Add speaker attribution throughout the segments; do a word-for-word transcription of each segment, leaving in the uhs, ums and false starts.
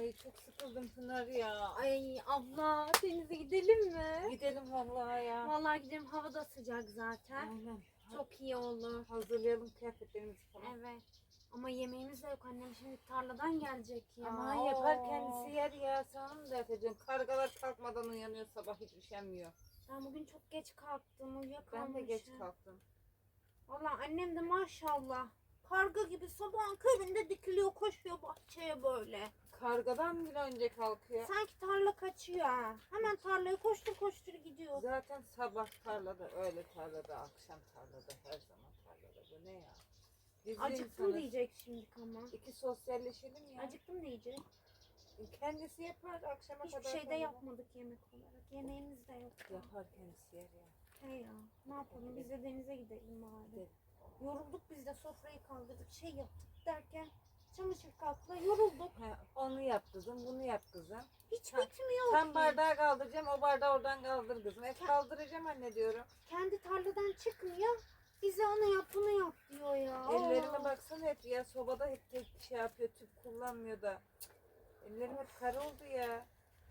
Speaker 1: Ay çok sıkıldım Pınar ya.
Speaker 2: Ay abla denize gidelim mi?
Speaker 1: Gidelim vallahi ya.
Speaker 2: Vallahi gidelim, hava da sıcak zaten.
Speaker 1: Aynen.
Speaker 2: Çok iyi olur.
Speaker 1: Hazırlayalım kıyafetlerimizi falan.
Speaker 2: Evet. Ama yemeğimiz de yok, annem şimdi tarladan gelecek ya.
Speaker 1: Aman yapar kendisi yer ya. Sana mı dert ediyorsun? Kargalar kalkmadan uyanıyor, sabah hiç üşenmiyor.
Speaker 2: Ben bugün çok geç kalktım,
Speaker 1: Ben
Speaker 2: uyuyakalmışım.
Speaker 1: de geç kalktım.
Speaker 2: Vallahi annem de maşallah karga gibi sabahın köründe dikiliyor, koşuyor bahçeye böyle.
Speaker 1: Kargadan bile önce kalkıyor.
Speaker 2: Sanki tarla kaçıyor ha. Hemen tarlaya koştur koştur gidiyor.
Speaker 1: Zaten sabah tarlada, öğle tarlada, akşam tarlada, her zaman tarlada. Bu ne ya? Biz
Speaker 2: Acıktım
Speaker 1: insanız.
Speaker 2: diyecek şimdi ama.
Speaker 1: İki sosyalleşelim ya.
Speaker 2: Acıktım diyecek.
Speaker 1: Kendisi yapar akşama
Speaker 2: Hiçbir
Speaker 1: kadar.
Speaker 2: şey de
Speaker 1: falan.
Speaker 2: yapmadık yemek olarak. Yemeğimiz de yok.
Speaker 1: Yapar kendisi yer ya.
Speaker 2: He ya. Ne yapalım? Biz de denize gidelim bari.
Speaker 1: Gidelim.
Speaker 2: Yorulduk, biz de sofrayı kaldırdık. Şey yaptık derken çamaşır katla yorulduk.
Speaker 1: He, onu yap kızım, bunu yap kızım.
Speaker 2: Hiç
Speaker 1: Ha,
Speaker 2: bitmiyor
Speaker 1: Sen
Speaker 2: ki.
Speaker 1: bardağı kaldıracağım, o bardağı oradan kaldır kızım. Hep kaldıracağım anne diyorum.
Speaker 2: Kendi tarladan çıkmıyor. Bize onu yap bunu yap diyor ya.
Speaker 1: Ellerime
Speaker 2: Oo.
Speaker 1: baksana hep ya, sobada hep tek şey yapıyor, tüp kullanmıyor da. Cık, ellerim hep kara oldu ya.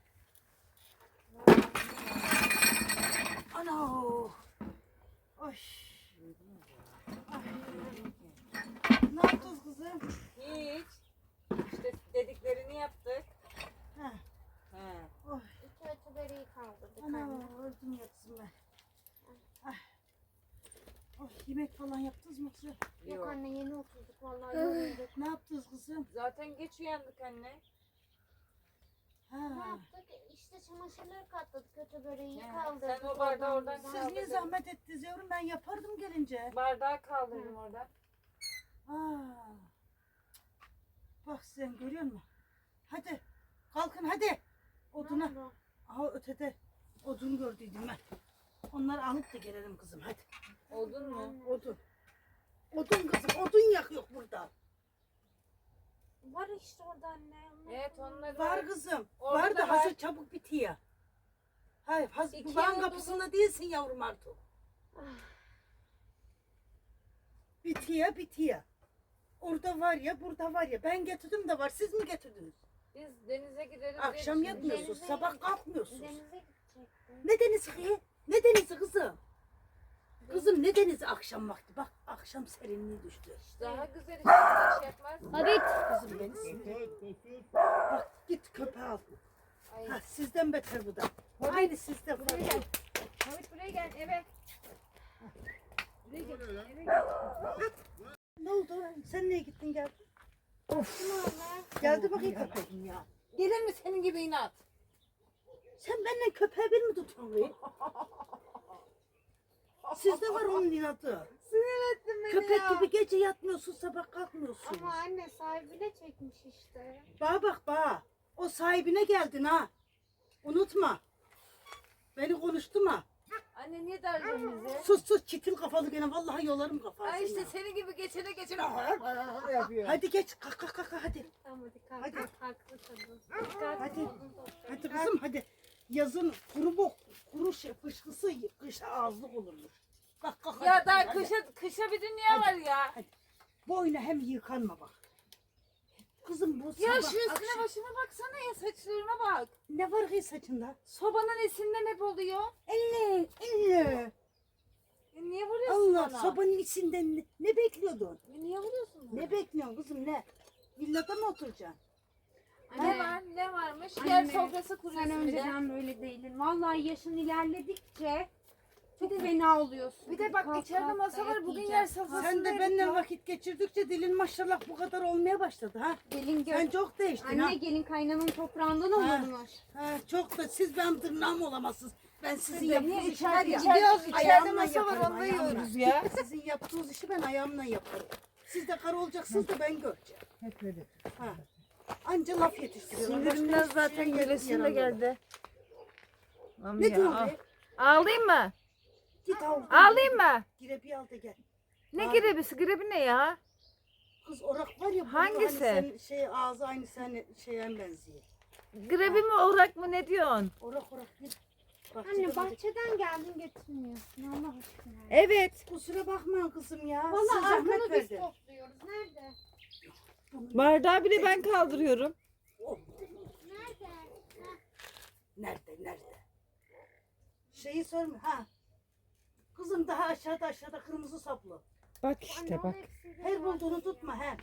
Speaker 3: Ana! Oy! Ne yaptınız kızım?
Speaker 1: Hiç. İşte dediklerini yaptık.
Speaker 3: Ha.
Speaker 1: He.
Speaker 3: Oy!
Speaker 2: İki ötü böreği kaldırdık
Speaker 3: Ana!
Speaker 2: anne.
Speaker 3: Öldüm yatsın ben. Ah. Oy! Yemek falan yaptınız mı kızım?
Speaker 2: Yok
Speaker 1: Yok.
Speaker 2: anne, yeni oturduk vallahi yorulduk.
Speaker 3: Ne yaptınız kızım?
Speaker 1: Zaten geç uyandık anne.
Speaker 3: Ha.
Speaker 2: Ne yaptık? İşte çamaşırları katladık, kötü böreği
Speaker 1: He,
Speaker 2: kaldırdık.
Speaker 1: sen o bardağı oradan
Speaker 2: buradan.
Speaker 3: Siz niye zahmet ettiniz yavrum? Ben yapardım gelince.
Speaker 1: Bardağı kaldırdım oradan.
Speaker 3: Aa. Bak sen görüyor musun? Hadi. Kalkın hadi. Oduna.
Speaker 2: Ne oldu?
Speaker 3: Aha ötede odun gördüydüm ben. Onları alıp da gelelim kızım hadi.
Speaker 1: Oldun mu?
Speaker 2: Anne.
Speaker 3: Odun. Odun kızım, odun yakıyor burada.
Speaker 2: Var işte orada anne. Onlar
Speaker 1: Evet onları
Speaker 3: Var kızım.
Speaker 1: Orada
Speaker 3: var
Speaker 1: da
Speaker 3: da
Speaker 1: var.
Speaker 3: hazır çabuk bitiyor. Hayır, hazır.
Speaker 1: İki
Speaker 3: Van
Speaker 1: odun-
Speaker 3: kapısında değilsin yavrum artık. Bitiyor, bitiyor. Orada var ya, burada var ya. Ben getirdim de var. Siz mi getirdiniz?
Speaker 1: Biz denize gideriz.
Speaker 3: Akşam
Speaker 1: diye düşündük.
Speaker 3: yapmıyorsunuz,
Speaker 2: Denize-
Speaker 3: sabah kalkmıyorsunuz.
Speaker 2: Denize gidecektim.
Speaker 3: Ne denizi ki? Ne denizi kızım? Kızım ne denizi akşam vakti? Bak akşam serinliği düştü.
Speaker 1: Daha güzel işte hiç yapmaz.
Speaker 2: Hadi.
Speaker 3: Kızım beni sinir. Bak git köpeği al.
Speaker 1: Ay.
Speaker 3: Ha, sizden beter bu da. Aynı sizden.
Speaker 1: Buraya gel. Hamit buraya gel eve. Buraya gel. Eve gel.
Speaker 3: Ne oldu? Sen niye gittin geldin?
Speaker 2: Of.
Speaker 3: Geldi bakayım köpeğim ya.
Speaker 1: Gelir mi senin gibi inat?
Speaker 3: Sen benden köpeği bir mi tutuyorsun? be? Sizde var onun inadı.
Speaker 1: Sinir ettin beni
Speaker 3: Köpek
Speaker 1: ya.
Speaker 3: gibi gece yatmıyorsun, sabah kalkmıyorsun.
Speaker 2: Ama anne sahibine çekmiş işte.
Speaker 3: Bana bak bana. O sahibine geldin ha. Unutma. Beni konuşturma.
Speaker 1: Anne niye darlıyorsun bizi?
Speaker 3: Sus sus çitil kafalı gene vallahi yolarım kafasını.
Speaker 1: Ay işte senin gibi geçene geçene yapıyor.
Speaker 3: Hadi geç kalk kalk kalk hadi.
Speaker 2: Tamam hadi kalk.
Speaker 3: Hadi.
Speaker 2: Haklı tabii. Dikkat
Speaker 3: Hadi.
Speaker 2: olun.
Speaker 3: Hadi kızım hadi. Yazın kuru bok, kuru şey, fışkısı kışa ağızlık olurmuş. Kalk kalk
Speaker 1: Ya
Speaker 3: hadi,
Speaker 1: daha
Speaker 3: hadi.
Speaker 1: kışa, kışa bir dünya var ya.
Speaker 3: Boyuna hem yıkanma bak. Kızım bu
Speaker 1: Ya
Speaker 3: sabah
Speaker 1: şu üstüne
Speaker 3: akşam-
Speaker 1: başına baksana ya saçlarına bak.
Speaker 3: Ne var kız saçında?
Speaker 1: Sobanın esinden hep oluyor.
Speaker 3: Elle, elle.
Speaker 1: E niye vuruyorsun
Speaker 3: Allah
Speaker 1: bana?
Speaker 3: sobanın içinden ne, ne bekliyordun?
Speaker 1: E niye vuruyorsun bana?
Speaker 3: Ne bekliyorsun kızım ne? Villada mı oturacaksın?
Speaker 1: Ne var? Ne varmış?
Speaker 2: Anne,
Speaker 1: Yer sofrası
Speaker 2: Sen
Speaker 1: kuruyorsun bir de.
Speaker 2: önceden böyle değildin. Vallahi yaşın ilerledikçe çok fena oluyorsun.
Speaker 1: Bir de bak
Speaker 2: Kalk,
Speaker 1: içeride
Speaker 2: kalk,
Speaker 1: masa var.
Speaker 2: dayak
Speaker 1: Bugün yer
Speaker 2: yiyeceksin.
Speaker 1: sofrasında
Speaker 3: Sen de
Speaker 1: yedik
Speaker 3: benimle
Speaker 1: ya.
Speaker 3: vakit geçirdikçe dilin maşallah bu kadar olmaya başladı ha.
Speaker 2: Gelin gör.
Speaker 3: Sen çok değiştin ha.
Speaker 2: Anne gelin kaynanın toprağından
Speaker 3: Ha.
Speaker 2: olurmuş.
Speaker 3: ha. Çok da siz benim tırnağım olamazsınız. Ben sizin
Speaker 1: Niye
Speaker 3: yaptığınız işi var
Speaker 1: içeride,
Speaker 3: ya.
Speaker 1: içeride, içeride
Speaker 3: ayağımla
Speaker 1: masa var
Speaker 3: yaparım,
Speaker 1: onda
Speaker 3: ayağımla.
Speaker 1: yiyoruz ya.
Speaker 3: Sizin yaptığınız işi ben ayağımla yaparım. Siz de karı olacaksınız da ben göreceğim.
Speaker 4: Hep öyle.
Speaker 3: Ha. Anca laf yetiştiriyorlar. Başka
Speaker 1: Sinirimden
Speaker 3: hiçbir
Speaker 1: zaten
Speaker 3: şeye
Speaker 1: gülesim de
Speaker 3: yaramıyorlar.
Speaker 1: geldi.
Speaker 3: Ne diyorsun be?
Speaker 1: Ağlayayım mı?
Speaker 3: Git al.
Speaker 1: Ağlayayım mı?
Speaker 3: Girebi al da gel.
Speaker 1: Ne
Speaker 3: Ağ-
Speaker 1: grebisi? Grebi ne ya?
Speaker 3: Kız orak var ya. burada
Speaker 1: Hangisi?
Speaker 3: Hani senin şey ağzı aynı sen şeye benziyor.
Speaker 1: Grebi mi orak mı ne diyorsun?
Speaker 3: Orak orak git. Bahçede
Speaker 2: Anne
Speaker 3: böyle-
Speaker 2: bahçeden geldin getirmiyorsun Allah aşkına.
Speaker 1: Evet.
Speaker 3: Kusura bakma kızım ya. Siz
Speaker 2: Vallahi
Speaker 3: zahmet
Speaker 2: arkanı biz
Speaker 3: verdi.
Speaker 2: topluyoruz. Nerede?
Speaker 1: Bardağı bile ben kaldırıyorum.
Speaker 3: Oh, Nerede? Şeyi sorma. Ha. Kızım daha aşağıda aşağıda kırmızı saplı.
Speaker 4: Bak işte bak.
Speaker 3: Her bulduğunu tutma he.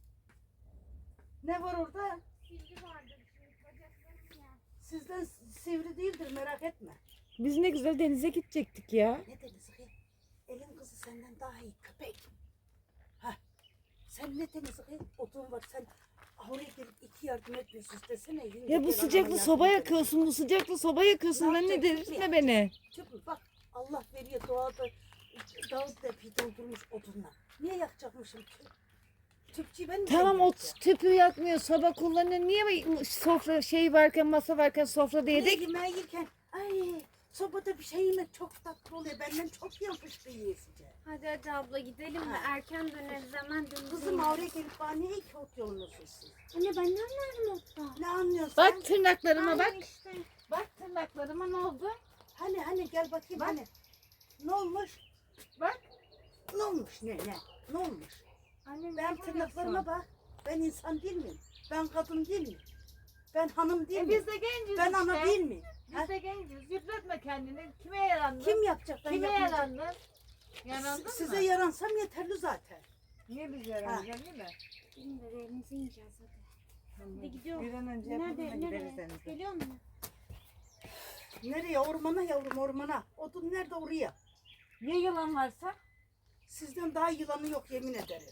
Speaker 3: Ne var orada?
Speaker 2: Silgi vardır şimdi bacaklarım ya.
Speaker 3: Sizden sivri değildir merak etme.
Speaker 4: Biz ne güzel denize gidecektik ya.
Speaker 3: Ne denizi ki? Elin kızı senden daha iyi köpek. Ha. Sen ne denizi ki? Odun var sen oraya gelip iki yardım etmiyorsun desene. yenge
Speaker 4: Ya bu
Speaker 3: gel
Speaker 4: sıcakta
Speaker 3: anama
Speaker 4: soba
Speaker 3: yardım edelim.
Speaker 4: yakıyorsun, bu sıcakta soba yakıyorsun.
Speaker 3: Ne
Speaker 4: Anne
Speaker 3: yapacaksın
Speaker 4: delirtme beni.
Speaker 3: Tüpü bak Allah veriyor doğada dağıt depi doldurmuş odunla. Niye yakacakmışım tüp? Tüpçüyü ben mi
Speaker 4: Tamam o
Speaker 3: zengin
Speaker 4: tüpü yakmıyor, soba kullanıyor. Niye sofra şey varken, masa varken sofrada
Speaker 3: edeceğim?
Speaker 4: yedik?
Speaker 3: Yemeğe yerken ay sobada bir şey yemek çok tatlı oluyor. Benden çok yapıştı yiyesice.
Speaker 2: Hadi hadi abla gidelim mi?
Speaker 3: Ha.
Speaker 2: Erken döneriz hemen döneriz.
Speaker 3: Kızım oraya gelip bana niye iki ot yolluyorsun?
Speaker 2: Anne ben ne anlarım otta?
Speaker 3: Ne anlıyorsun
Speaker 4: Bak
Speaker 3: sen?
Speaker 4: tırnaklarıma bak.
Speaker 2: Anne işte.
Speaker 4: Bak tırnaklarıma ne oldu?
Speaker 3: Hani hani gel bakayım
Speaker 4: Bak.
Speaker 3: hani. Ne olmuş?
Speaker 4: Bak.
Speaker 3: Ne olmuş ne ne? Ne olmuş?
Speaker 4: Anne
Speaker 3: Ben tırnaklarıma bak. Ben insan değil miyim? Ben kadın değil miyim? Ben hanım değil
Speaker 4: E
Speaker 3: miyim?
Speaker 4: biz de genciz
Speaker 3: Ben
Speaker 4: işte.
Speaker 3: ana değil miyim? Ha?
Speaker 4: Biz de genciz. Yıpratma kendini. Kime yarandın?
Speaker 3: Kim yapacak? Ben
Speaker 4: Kime
Speaker 3: yapmayacağım.
Speaker 4: yarandın? Yarandın
Speaker 3: Size
Speaker 4: mı?
Speaker 3: yaransam yeterli zaten.
Speaker 4: Niye biz yaranacağız değil mi?
Speaker 2: Şimdi de evimize ineceğiz hadi. Hadi gidiyorum.
Speaker 4: Bir an önce yapalım da
Speaker 2: Nerede?
Speaker 4: gideriz
Speaker 2: Nereye?
Speaker 4: denize.
Speaker 2: Geliyor musun?
Speaker 3: Nereye? Ormana yavrum ormana. Odun nerede oraya?
Speaker 4: Ya yılan varsa?
Speaker 3: Sizden daha yılanı yok yemin ederim.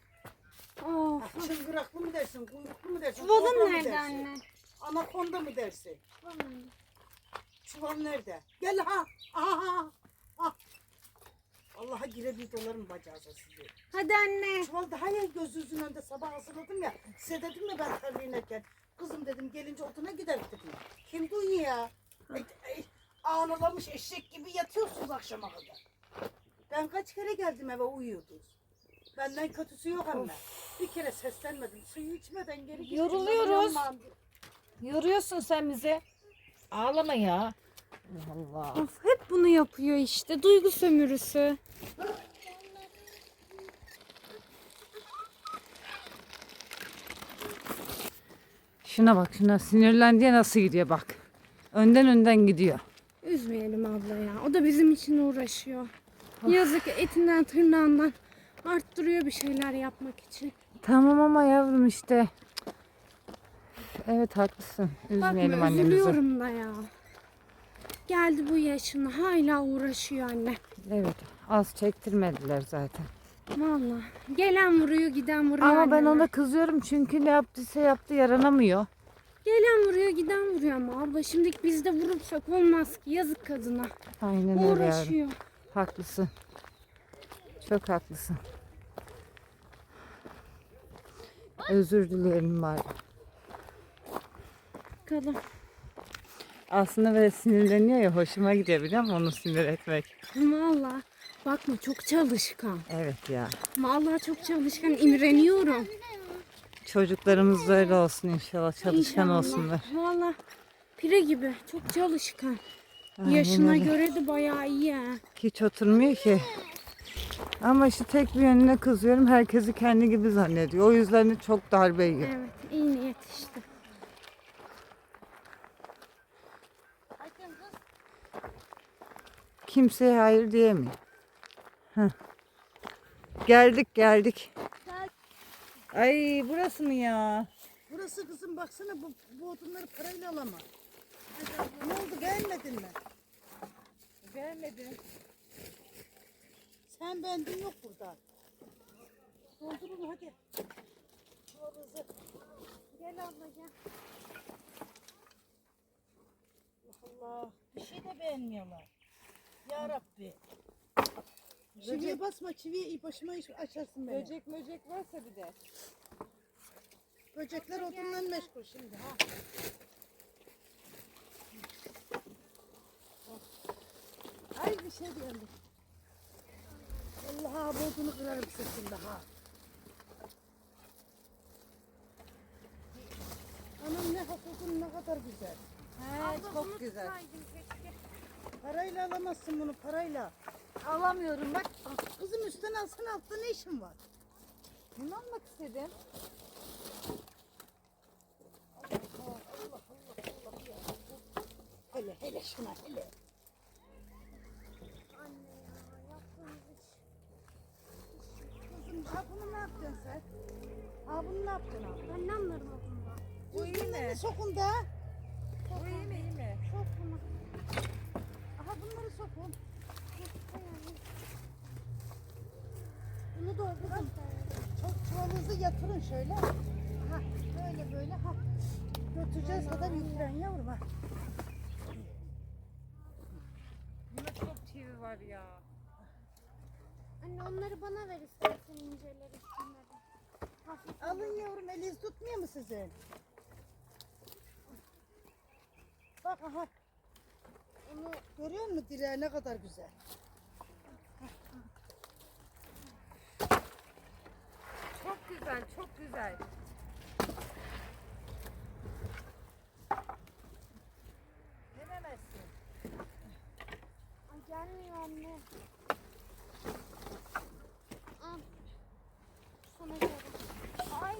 Speaker 2: Of.
Speaker 3: Ha, çıngıraklı mı dersin, kuyruklu mu dersin?
Speaker 2: Çuvalın
Speaker 3: kobra mı
Speaker 2: nerede
Speaker 3: dersin?
Speaker 2: anne?
Speaker 3: Anakonda mı dersin?
Speaker 2: Çuvalın.
Speaker 3: Çuval nerede? Gel ha. Aha. Ha. Allah'a girebilir dolarım bacağıza sizi.
Speaker 2: Hadi anne.
Speaker 3: Çuval daha ya gözünüzün önünde sabah hazırladım ya. Size dedim ya ben tarla inerken. Kızım dedim gelince oduna gider dedim. Kim duyuyor ya? Ay, ay, ağlamış eşek gibi yatıyorsunuz akşama kadar. Ben kaç kere geldim eve uyuyordunuz. Benden kötüsü yok ama. Bir kere seslenmedim. Suyu içmeden geri gittim.
Speaker 4: Yoruluyoruz.
Speaker 3: Yanmam.
Speaker 4: Yoruyorsun sen bizi. Ağlama ya. Allah Allah.
Speaker 2: Of hep bunu yapıyor işte. Duygu sömürüsü.
Speaker 4: Şuna bak, şuna sinirlendi ya, nasıl gidiyor bak. Önden önden gidiyor.
Speaker 2: Üzmeyelim abla ya. O da bizim için uğraşıyor. Yazık etinden tırnağından arttırıyor bir şeyler yapmak için.
Speaker 4: Tamam ama yavrum işte. Evet haklısın. Üzmeyelim
Speaker 2: Bakma
Speaker 4: annemizi.
Speaker 2: üzülüyorum da ya. Geldi bu yaşına hala uğraşıyor anne.
Speaker 4: Evet, az çektirmediler zaten.
Speaker 2: Vallahi gelen vuruyor giden vuruyor
Speaker 4: Ama ben
Speaker 2: anneme.
Speaker 4: ona kızıyorum çünkü ne yaptıysa yaptı, yaranamıyor.
Speaker 2: Gelen vuruyor giden vuruyor ama abla şimdi biz de vurursak olmaz ki yazık kadına.
Speaker 4: Aynen öyle yavrum.
Speaker 2: Uğraşıyor.
Speaker 4: Haklısın. Çok haklısın. Özür dilerim bari.
Speaker 2: Kadın.
Speaker 4: Aslında böyle sinirleniyor ya, hoşuma gidiyor biliyor musun onu sinir etmek.
Speaker 2: Vallahi bakma çok çalışkan.
Speaker 4: Evet ya.
Speaker 2: Vallahi çok çalışkan imreniyorum.
Speaker 4: Çocuklarımız da öyle olsun inşallah. Çalışkan
Speaker 2: İnşallah.
Speaker 4: olsunlar.
Speaker 2: Vallahi pire gibi çok çalışkan.
Speaker 4: Aynen
Speaker 2: Yaşına
Speaker 4: öyle.
Speaker 2: göre de bayağı iyi ha.
Speaker 4: Hiç oturmuyor ki. Ama işte tek bir yönüne kızıyorum. Herkesi kendi gibi zannediyor. O yüzden de çok darbe yiyor.
Speaker 2: Evet iyi niyet işte.
Speaker 4: Kimseye hayır diyemiyor. Heh. Geldik geldik. Ay burası mı ya?
Speaker 3: Burası kızım baksana bu, bu odunları parayla alamam. Ne oldu beğenmedin mi?
Speaker 4: Gelmedi.
Speaker 3: Sen beğendin yok burada. Doldurun hadi. Çuvalınızı.
Speaker 2: Gel abla gel.
Speaker 3: Allah bir şey de beğenmiyorlar. Ya Rabbi. Çiviye basma çiviye başıma iş açarsın beni.
Speaker 4: Böcek möcek varsa bir de.
Speaker 3: Böcekler odunla meşgul şimdi ha. Ay bir şey beğendim. Allah bu odunu kırarım sesinde ha. Anam ne hakikun ne kadar güzel.
Speaker 4: He,
Speaker 2: Abla bunu
Speaker 4: çok güzel.
Speaker 2: tutsaydın keşke.
Speaker 3: Parayla alamazsın bunu parayla.
Speaker 4: Alamıyorum bak.
Speaker 3: Ah, kızım üstten alsana altta ne işin var?
Speaker 4: Bunu almak istedim.
Speaker 3: Allah Allah Allah Allah ya. Hele. Hele şuna hele.
Speaker 2: Anne ya yaptığımız iş.
Speaker 3: Kızım ha bunu ne yapacaksın sen? Ha bunu ne yapacaksın abi?
Speaker 2: Ben ne anlarım o konuda?
Speaker 3: Bu iyi mi? Sokun da.
Speaker 1: Bu iyi mi iyi mi?
Speaker 2: Çok bunu.
Speaker 3: Aha bunları sokun.
Speaker 2: Bunu doldurun.
Speaker 3: Çok çuvalınızı yatırın şöyle. Ha böyle böyle ha. Götüreceğiz kadar yüklen yavrum ha.
Speaker 1: Bunda çok çivi var ya.
Speaker 2: Anne onları bana ver istersen inceleri şunları. Hafif
Speaker 3: Alın yavrum eliniz tutmuyor mu sizin? Bak aha. Onu görüyor musun direği ne kadar güzel.
Speaker 1: Çok güzel, çok güzel.
Speaker 3: Denemezsin.
Speaker 2: Ay gelmiyor anne. Al. Sana göre. Ay.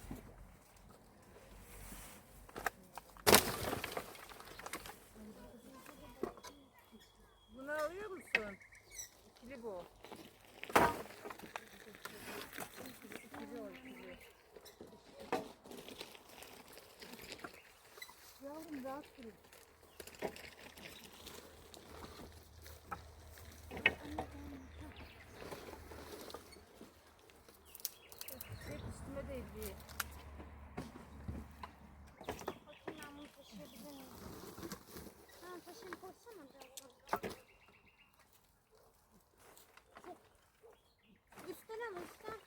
Speaker 1: Bunu alıyor musun? İkili bu. İkili o ikili.
Speaker 3: Yavrum rahat durun.
Speaker 1: Hep üstüme değdi.
Speaker 2: Bakayım ben bunu taşıyabilir miyim? Ha taşıyayım koysana biraz. Üstten al üstten.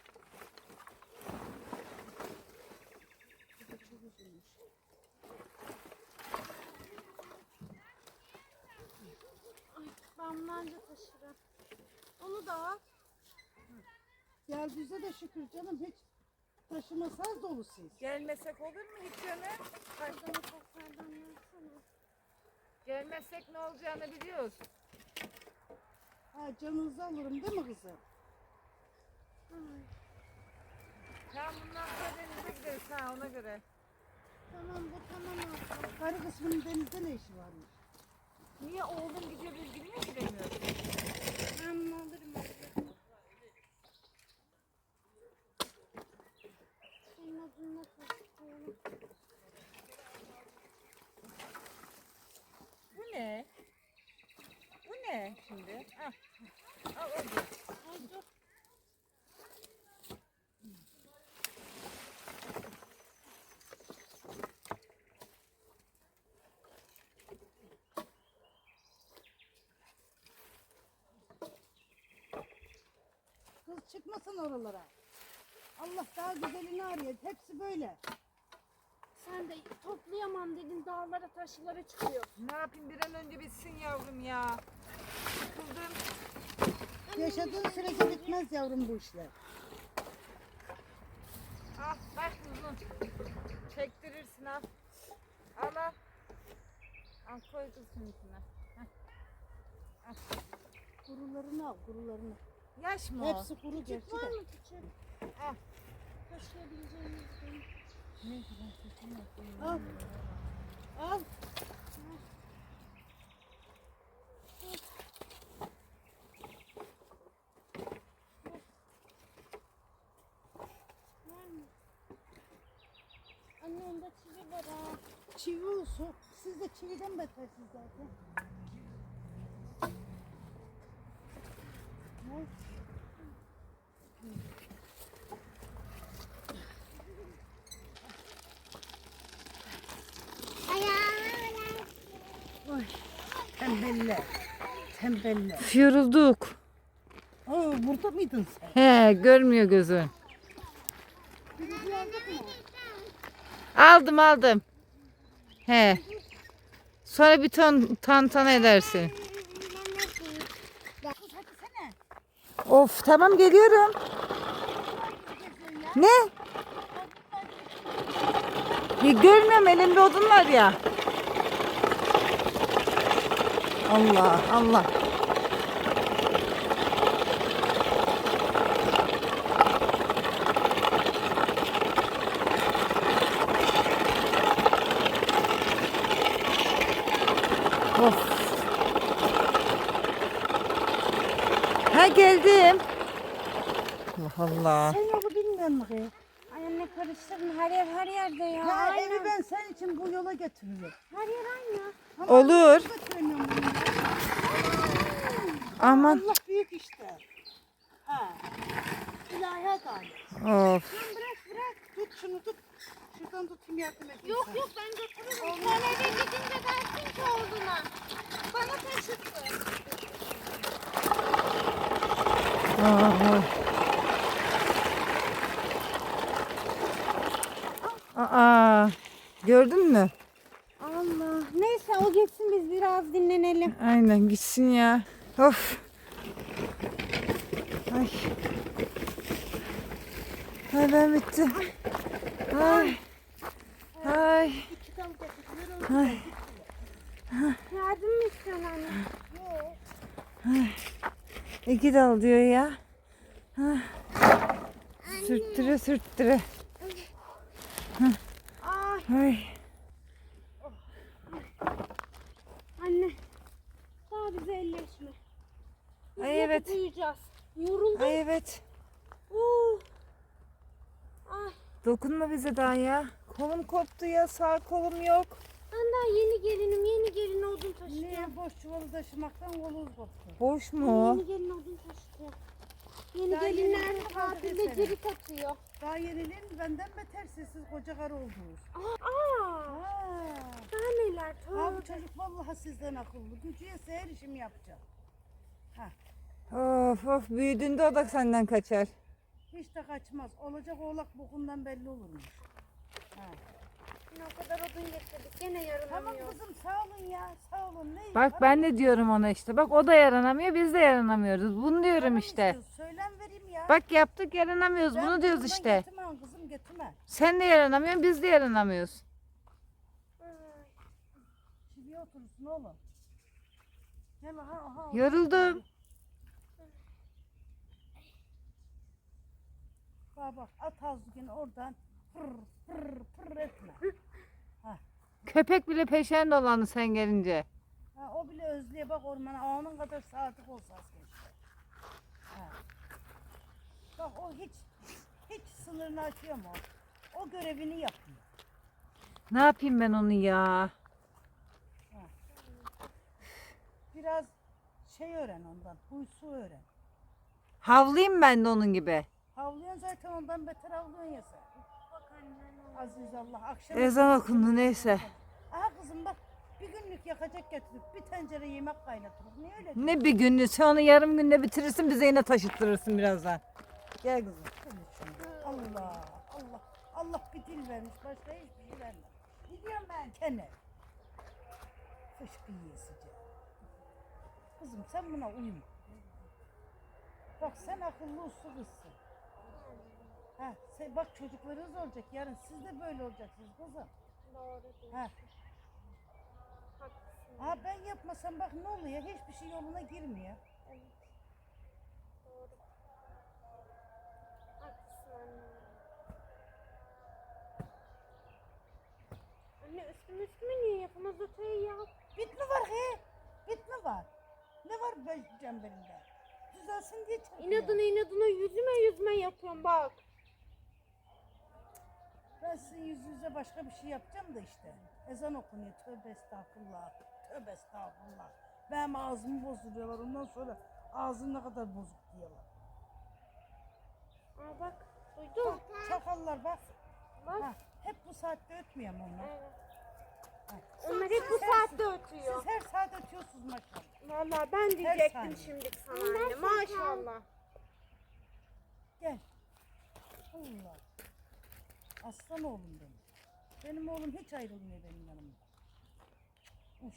Speaker 2: Ay ben bunlarla taşırım. Onu da al.
Speaker 3: Geldiğinize de şükür canım hiç taşımasanız dolu siz.
Speaker 1: Gelmesek olur mu hiç canım?
Speaker 2: Kazanı toplardan versene.
Speaker 1: Gelmezsek ne olacağını biliyoruz.
Speaker 3: Ha canınızı alırım değil mi kızım?
Speaker 2: Ay,
Speaker 1: Tamam bundan sonra denize gideriz ha ona göre.
Speaker 2: tamam bu tamam oldu.
Speaker 3: Karı kısmının denizde ne işi varmış?
Speaker 1: Niye oğlum gidiyor biz bilmiyor ki demiyoruz.
Speaker 2: Ben bunu alırım abi. Senin adını taşıyorum.
Speaker 1: Bu ne? Bu ne şimdi? Ah. Al hadi.
Speaker 2: Ay dur.
Speaker 3: Kız çıkmasın oralara. Allah daha güzelini arıyor. Hepsi böyle.
Speaker 2: Sen de toplayamam dedin dağlara taşlara çıkıyor.
Speaker 1: Ne yapayım bir an önce bitsin yavrum ya. Sıkıldım.
Speaker 3: Yaşadığın sürece bitmez yavrum bu işler.
Speaker 1: Al bak uzun. Çektirirsin al. Al al. Al koy kızın içine.
Speaker 3: Kurularını al, kurularını.
Speaker 1: Yaş mı o?
Speaker 3: Hepsi kuru gerçi
Speaker 2: Küçük var
Speaker 3: de.
Speaker 2: mı küçük?
Speaker 1: Al.
Speaker 2: Taşıyabileceğimiz değil.
Speaker 1: Ne kadar kötü yapayım.
Speaker 3: Al. Al.
Speaker 2: Var mı? Anne onda çivi var ha.
Speaker 3: Çivi olsun. Siz de çividen betersiniz zaten. Ne? Oy. Tembeller. Tembeller.
Speaker 4: Yorulduk.
Speaker 3: Aa, burada mıydın sen?
Speaker 4: He, görmüyor gözün.
Speaker 3: Birinci aldık mı?
Speaker 4: Aldım aldım. He. Sonra bir ton tantana edersin.
Speaker 3: Kız hadi sene.
Speaker 4: Of tamam geliyorum. Ne? Ya, görmüyorum elimde odun var ya. Allah Allah. Of. Ha geldim. Allah Allah.
Speaker 3: Sen yolu bilmiyorsun mu kız?
Speaker 2: Ay anne karıştırma, her yer her yerde ya.
Speaker 3: Ya
Speaker 2: Aynen.
Speaker 3: evi ben senin için bu yola getiriyorum.
Speaker 2: Her yer aynı.
Speaker 3: Ama
Speaker 4: Olur.
Speaker 3: götüremiyorum bunu ya.
Speaker 4: Aman.
Speaker 3: Allah büyük işte. Ha. İlahi adalet.
Speaker 4: Of.
Speaker 3: Bırak bırak. Tut şunu tut. Şuradan tutayım yardım edeyim
Speaker 2: Yok
Speaker 3: sana.
Speaker 2: yok ben götürürüm. Sen eve gidince dersin ki olduğuna. Bana taşıttı.
Speaker 4: Aa. Aa. Gördün mü?
Speaker 2: Allah. Neyse o geçsin, biz biraz dinlenelim.
Speaker 4: Aynen gitsin ya. Of. Ay. Ay ben bittim. Ay. Ay.
Speaker 3: İki dal getir.
Speaker 4: Ay.
Speaker 2: Yardım mı istiyorsun anne?
Speaker 3: Yok.
Speaker 4: İki dal diyor ya. Ha. Sürttüre sürttüre.
Speaker 2: Ay
Speaker 4: Ay.
Speaker 2: anne. Daha bize elleşme. Biz
Speaker 4: Ay,
Speaker 2: yatıp
Speaker 4: evet.
Speaker 2: uyuyacağız. Yoruldum.
Speaker 4: Ay evet.
Speaker 2: Uh. Ay
Speaker 4: Dokunma bize daha ya. Kolum koptu ya. Sağ kolum yok.
Speaker 2: ben daha yeni gelinim, yeni gelin odun taşıyorum.
Speaker 3: Niye boş çuvalı taşımaktan kolumuz koptu.
Speaker 4: Boş
Speaker 2: Ben
Speaker 4: mu?
Speaker 2: Yeni gelin odun taşıyorum. Yeni
Speaker 3: Daha yeni
Speaker 2: gelinler
Speaker 3: gelin kaldı
Speaker 2: tatilde
Speaker 3: desene.
Speaker 2: cirit atıyor.
Speaker 3: Daha yeniliğin benden beter sessiz koca karı oldunuz.
Speaker 2: Aa, aa
Speaker 3: Ha.
Speaker 2: daha neler?
Speaker 3: Ha bu
Speaker 2: Tövbe.
Speaker 3: çocuk vallahi sizden akıllı. Gücü yetse her işimi yapacak.
Speaker 4: Of of büyüdüğünde o da senden kaçar.
Speaker 3: Hiç de kaçmaz. Olacak oğlak bokundan belli olurmuş. Ha.
Speaker 2: Yine o kadar odun getirdik. Gene
Speaker 3: Tamam
Speaker 2: yaranamıyor.
Speaker 3: kızım sağ olun ya. Sağ olun. Ne?
Speaker 4: Bak ben de diyorum ona işte. Bak o da yaranamıyor biz de yaranamıyoruz. Bunu diyorum işte.
Speaker 3: Söylem vereyim ya.
Speaker 4: Bak yaptık yaranamıyoruz.
Speaker 3: Ben
Speaker 4: Bunu diyoruz
Speaker 3: buradan
Speaker 4: işte.
Speaker 3: Getirmem kızım getirme.
Speaker 4: Sen de yaranamıyorsun biz de yaranamıyoruz.
Speaker 3: Çiviye oturursun oğlum. Gel aha aha.
Speaker 4: Yoruldum.
Speaker 3: Bak bak at ağzını oradan pır pır pır etme.
Speaker 4: Köpek bile peşen dolandı sen gelince.
Speaker 3: Ha, o bile özlüyor bak ormana. Onun kadar sadık olsa az keşke. Ha. Bak o hiç hiç sınırını aşıyor mu? O görevini yapıyor.
Speaker 4: Ne yapayım ben onu ya?
Speaker 3: Biraz şey öğren ondan. Huysu öğren.
Speaker 4: Havlayayım ben de onun gibi.
Speaker 3: Havlıyorsun zaten ondan beter havlıyorsun ya sen. Aziz Allah akşam.
Speaker 4: Ezan okundu neyse.
Speaker 3: Aha kızım bak bir günlük yakacak getirip bir tencere yemek kaynatırız. Niye öyle?
Speaker 4: Ne bir günlüğü sen onu yarım günde bitirirsin bize yine taşıttırırsın birazdan. Gel kızım.
Speaker 3: Allah Allah Allah bir dil vermiş başka hiçbir şey vermez. Gidiyorum ben kene. Fışkı yiyesice. Kızım sen buna uyma. Bak sen akıllı uslu kızsın. Ha, sen, bak çocuklarınız olacak yarın siz de böyle olacaksınız kızım.
Speaker 2: Doğru diyorsun.
Speaker 3: Ha,
Speaker 2: Haklısın.
Speaker 3: ha ben yapmasam bak ne oluyor hiçbir şey yoluna girmiyor.
Speaker 2: Evet. Doğru. Haklısın anne. Anne üstüme üstüme niye yapamaz öteyi ya?
Speaker 3: Bit mi var he? Bit mi var? Ne var ben cemberimde? Düzelsin diye çarpıyor.
Speaker 2: İnadına inadına yüzüme yüzüme yapıyorum bak.
Speaker 3: Ben sizin yüzünüze başka bir şey yapacağım da işte. Ezan okunuyor. Tövbe estağfurullah. Tövbe estağfurullah. Benim ağzımı bozduruyorlar. Ondan sonra ağzın ne kadar bozuk diyorlar.
Speaker 2: Aa bak duydun.
Speaker 3: Çakallar bak.
Speaker 2: Bak.
Speaker 3: Ha, hep bu saatte ötmüyor mu onlar?
Speaker 2: Evet.
Speaker 3: Ha.
Speaker 2: Onlar hep bu saatte ötüyor.
Speaker 3: Siz her saat ötüyorsunuz maşallah.
Speaker 2: Vallahi ben
Speaker 3: saniye.
Speaker 2: diyecektim şimdi sana anne. Maşallah.
Speaker 3: Gel. Allah. Aslan oğlum benim. Benim oğlum hiç ayrılmıyor benim yanımda. Uş.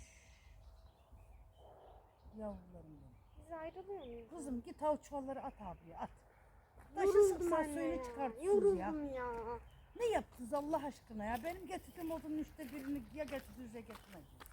Speaker 3: Yavrularım benim.
Speaker 2: Biz ayrılıyor muyuz?
Speaker 3: Kızım git av çuvalları at abiye at. Taşı
Speaker 2: Yoruldum
Speaker 3: sıksan
Speaker 2: anne
Speaker 3: suyunu
Speaker 2: ya.
Speaker 3: çıkartırsınız ya.
Speaker 2: Yoruldum ya.
Speaker 3: Ne yaptınız Allah aşkına ya? Benim getirdiğim odunun üçte birini ya getirdiniz ya getirmediniz.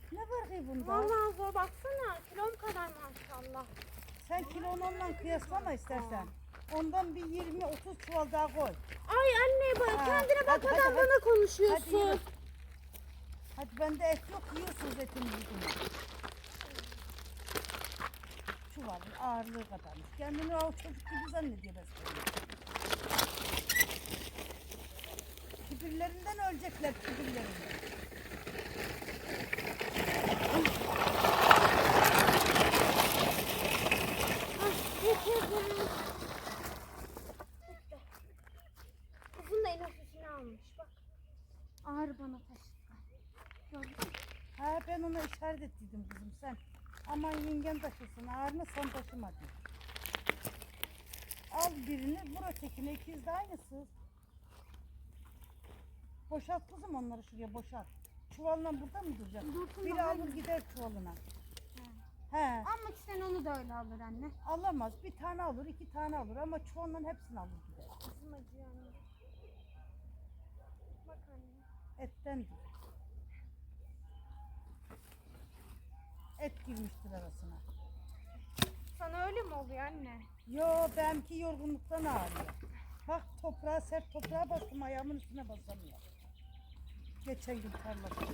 Speaker 3: Ne var ki bunda?
Speaker 2: Vallahi zor baksana. Kilom kadar maşallah.
Speaker 3: Sen kilonunla kıyaslama istersen. Ondan bir yirmi otuz çuval daha koy.
Speaker 2: Ay anne bak
Speaker 3: Ha,
Speaker 2: kendine
Speaker 3: hadi,
Speaker 2: bakmadan
Speaker 3: hadi, hadi.
Speaker 2: bana
Speaker 3: Hadi
Speaker 2: konuşuyorsun.
Speaker 3: yürü. Hadi bende et yok, yiyorsunuz etimizi bunu. Çuvalın ağırlığı kadarmış. Kendini o çocuk gibi zannediyor besbelli. Kibirlerinden ölecekler, kibirlerinden.
Speaker 2: Kızın da en hafifini almış bak. Ağır bana taşıdı. Gördün mü?
Speaker 3: Ha ben ona işaret ettiydim kızım sen. Aman yengen taşısın ağırını sen taşıma diye. Al birini vur ötekine ikiz de aynısı. Boşalt kızım onları şuraya boşalt. Çuvalla burada mı duracak?
Speaker 2: Dursun
Speaker 3: Biri
Speaker 2: da
Speaker 3: alır
Speaker 2: aynı.
Speaker 3: gider çuvalına. He.
Speaker 2: Almak isteyen onu da öyle alır anne.
Speaker 3: Alamaz. Bir tane alır, iki tane alır ama çuvalın hepsini alır gider.
Speaker 2: Kızım acıyor anne. Bak anne.
Speaker 3: Ettendir. Et girmiştir arasına.
Speaker 2: Sana öyle mi oluyor anne?
Speaker 3: Yo benimki yorgunluktan ağrıyor. Bak toprağa, sert toprağa bastım ayağımın üstüne basamıyor. Geçen gün tarlada.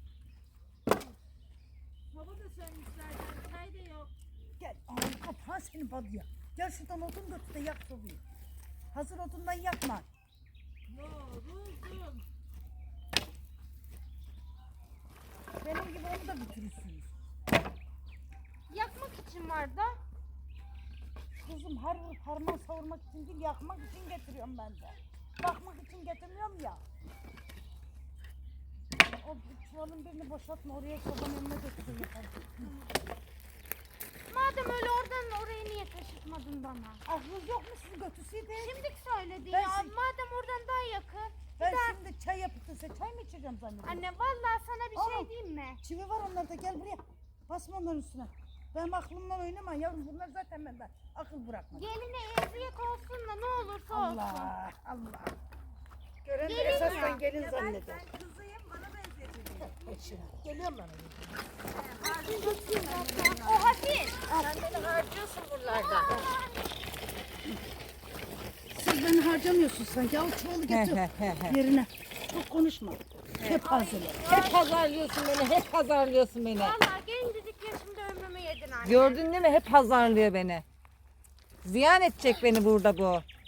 Speaker 1: Hava da sönmüşlerden. Çay da yok.
Speaker 3: Gel ağzı kapağı seni badıyor. Gel şuradan odun götür de yak sobayı. Hazır odundan yakma.
Speaker 1: Yoruldum.
Speaker 3: Benim gibi onu da bitirirsiniz.
Speaker 2: Yakmak için var da.
Speaker 3: Kızım har vurup harman savurmak için değil yakmak için getiriyorum ben de. Bakmak için getirmiyorum ya. O çuvalın birini boşaltma oraya sobanın önüne götürün yaparım.
Speaker 2: Madem öyle oradan oraya niye taşıtmadın bana?
Speaker 3: Aklınız yok mu sizi götürseydi?
Speaker 2: Şimdi söyledi
Speaker 3: Ben
Speaker 2: ya.
Speaker 3: şimdi-
Speaker 2: Madem oradan daha yakın.
Speaker 3: Ben şimdi çay yapıp da size çay mı içeceğim zannediyorum?
Speaker 2: Anne vallahi sana bir
Speaker 3: Aa.
Speaker 2: şey diyeyim mi?
Speaker 3: Çivi var onlarda gel buraya. Basma onların üstüne. Benim aklımdan oynama yavrum bunlar zaten benden akıl bırakmadı.
Speaker 2: Geline eziyet olsun da ne olursa olsun.
Speaker 3: Allah Allah. Gören de
Speaker 2: Gelin
Speaker 3: esasdan
Speaker 2: ya.
Speaker 3: gelin zanneder.
Speaker 1: Ben kızıyım bana benzeteceğim.
Speaker 3: Eşine. Geliyorum ben oraya.
Speaker 2: O hafif.
Speaker 1: Sen beni harcıyorsun buralarda.
Speaker 3: Siz beni harcamıyorsun sanki. Al çuvalı getir yerine. Çok konuşma. Hep hazırla.
Speaker 4: Hep pazarlıyorsun beni, hep pazarlıyorsun beni.
Speaker 2: Vallahi gencecik yaşımda ömrümü yedin anne.
Speaker 4: Gördün değil mi? Hep pazarlıyor beni. Ziyan edecek beni burada bu.